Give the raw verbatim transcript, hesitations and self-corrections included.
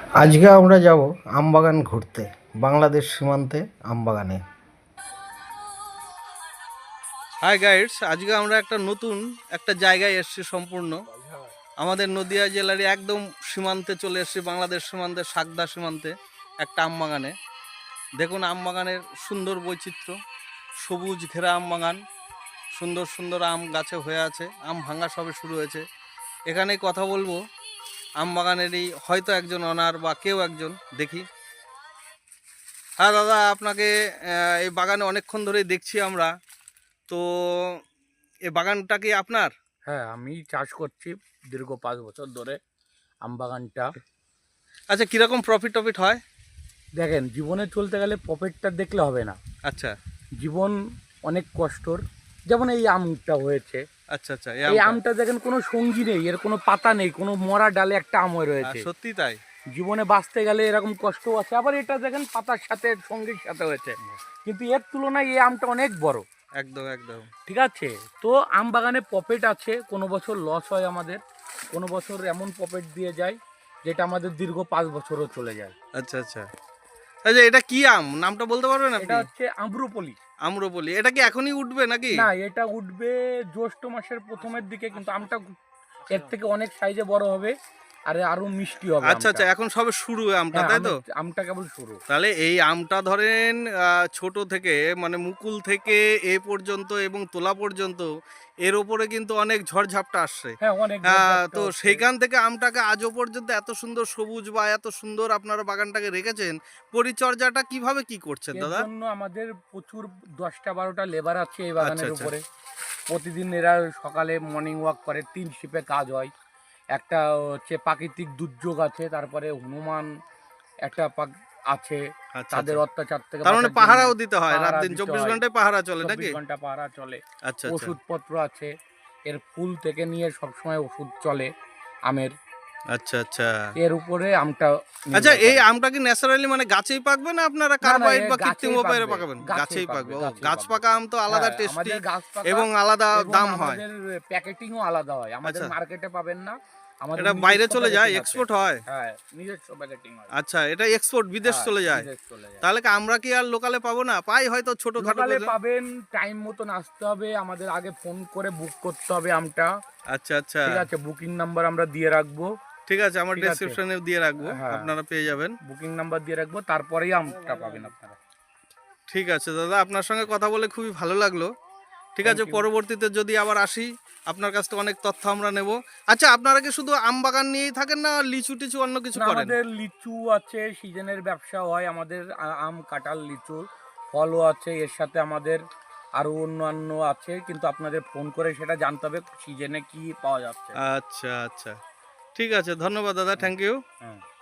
আজকে আমরা যাব আমবাগান ঘুরতে, বাংলাদেশ সীমান্তে আমবাগানে। হাই গাইডস, আজকে আমরা একটা নতুন একটা জায়গায় এসেছি। সম্পূর্ণ আমাদের নদিয়া জেলারই একদম সীমান্তে চলে এসেছি, বাংলাদেশ সীমান্তে, সাকদা সীমান্তে একটা আমবাগানে। দেখুন আমবাগানের সুন্দর বৈচিত্র্য, সবুজ ঘেরা আমবাগান, সুন্দর সুন্দর আম গাছে হয়ে আছে, আম ভাঙা সবে শুরু হয়েছে। এখানেই কথা বলবো আমবাগানেরই হয়তো একজন অনার বা কেউ একজন, দেখি। হ্যাঁ দাদা, আপনাকে এই বাগানে অনেকক্ষণ ধরেই দেখছি আমরা। তো এই বাগানটা কি আপনার? হ্যাঁ, আমি চাষ করছি দীর্ঘ পাঁচ বছর ধরে আম বাগানটা। আচ্ছা, কীরকম প্রফিট টফিট হয়? দেখেন, জীবনে চলতে গেলে প্রফিটটা দেখলে হবে না। আচ্ছা, জীবন অনেক কষ্টর। যেমন এই আমটা হয়েছে, আচ্ছা আচ্ছা, এই আমটা দেখেন কোনো সঙ্গী নেই, এর কোনো পাতা নেই, কোনো মরা ডালে একটা আম হয়ে রয়েছে। সত্যি তাই, জীবনে বাঁচতে গেলে এরকম কষ্ট আছে। আবার এটা দেখেন পাতার সাথে সঙ্গীর সাথে হয়েছে, কিন্তু এর তুলনায় এই আমটা অনেক বড়। একদম একদম। ঠিক আছে, তো আম বাগানে প্রফিট আছে, কোনো বছর লস হয় আমাদের, কোনো বছর এমন প্রফিট দিয়ে যায় যেটা আমাদের দীর্ঘ পাঁচ বছরও চলে যায়। আচ্ছা আচ্ছা আচ্ছা, এটা কি আম, নামটা বলতে পারবেন আপনি? এটা হচ্ছে আম্রপলি। আম্রপলি। এটা কি এখনই উঠবে নাকি? না, এটা উঠবে জ্যৈষ্ঠ মাসের প্রথমের দিকে, কিন্তু আমটা এর থেকে অনেক সাইজে বড় হবে আর আরো মিষ্টি হবে। আচ্ছা আচ্ছা, এখন সবে শুরু আমটা, হ্যাঁ, তাই তো? আমটা কেবল শুরু। তাহলে এই আমটা ধরেন ছোট থেকে, মানে মুকুল থেকে এ পর্যন্ত এবং তোলা পর্যন্ত, এর ওপরে কিন্তু অনেক ঝড়ঝাপটা আসছে। হ্যাঁ, অনেক। তো সেইখান থেকে আমটাকে আজও পর্যন্ত এত সুন্দর সবুজ বা এত সুন্দর আপনারা বাগানটাকে রেখেছেন, পরিচর্যাটা কিভাবে কি করছেন এর দাদা? জন্য আমাদের প্রচুর দশটা বারোটা লেবার আছে এই বাগানের আচ্ছা, উপরে। প্রতিদিন এরা সকালে মর্নিং ওয়াক করে, তিন শিপে কাজ হয়। একটা হচ্ছে প্রাকৃতিক দুর্যোগ আছে, তারপরে হনুমান একটা আছে, আচ্ছা, তাদের আচ্ছা। অত্যাচার থেকে তার মানে বাঁচার জন্য পাহারাও দিতে হয়, রাত পাহারা দিন দিতে চব্বিশ হয়। ঘন্টায় পাহারা চলে নাকি? চব্বিশ ঘন্টা পাহারা চলে। আচ্ছা আচ্ছা। ওষুধপত্র আছে, এর ফুল থেকে নিয়ে সবসময় ওষুধ চলে আমের। আচ্ছা আচ্ছা এর উপরে আমটা। আচ্ছা, এই আমটা কি ন্যাচারালি মানে গাছেই পাকবে না আপনারা কার্বাইড বা কৃত্রিম উপায়ে পাকাবেন? গাছেই পাকবে। ও, গাছ পাকা আম তো আলাদা টেস্টি এবং আলাদা দাম হয়। আমাদের প্যাকেটিংও আলাদা হয়, আমাদের মার্কেটে পাবেন না। আমাদের এটা বাইরে চলে যায়, এক্সপোর্ট হয়? হ্যাঁ, নিজস্ব প্যাকেটিং হয়। আচ্ছা, এটা এক্সপোর্ট, বিদেশ চলে যায়? তাহলে কি আমরা কি আর লোকালে পাবো না? পাই হয়তো ছোটখাটো লোকালে পাবেন, টাইম মতন আসতে হবে, আমাদের আগে ফোন করে বুক করতে হবে আমটা। আচ্ছা আচ্ছা, ঠিক আছে, বুকিং নাম্বার আমরা দিয়ে রাখবো। ঠিক আছে, আমার ডেসক্রিপশনে দিয়ে রাখবো, আপনারা পেয়ে যাবেন। বুকিং নাম্বার দিয়ে রাখবো, তারপরেই আমটা পাবেন আপনারা। ঠিক আছে দাদা, আপনার সঙ্গে কথা বলে খুবই ভালো লাগলো। ঠিক আছে, পরবর্তীতে যদি আবার আসি আপনার কাছ থেকে অনেক তথ্য আমরা নেব। আচ্ছা, আপনারা কি শুধু আম বাগান নিয়েই থাকেন না লিচু টিচু অন্য কিছু করেন? আমাদের লিচু আছে, সিজনের ব্যবসা হয় আমাদের, আম কাঁঠাল লিচু ফলও আছে, এর সাথে আমাদের আরো অন্যান্য আছে, কিন্তু আপনাদের ফোন করে সেটা জানতে হবে সিজনে কি পাওয়া যাচ্ছে। আচ্ছা আচ্ছা, ঠিক আছে, ধন্যবাদ দাদা, থ্যাংক ইউ।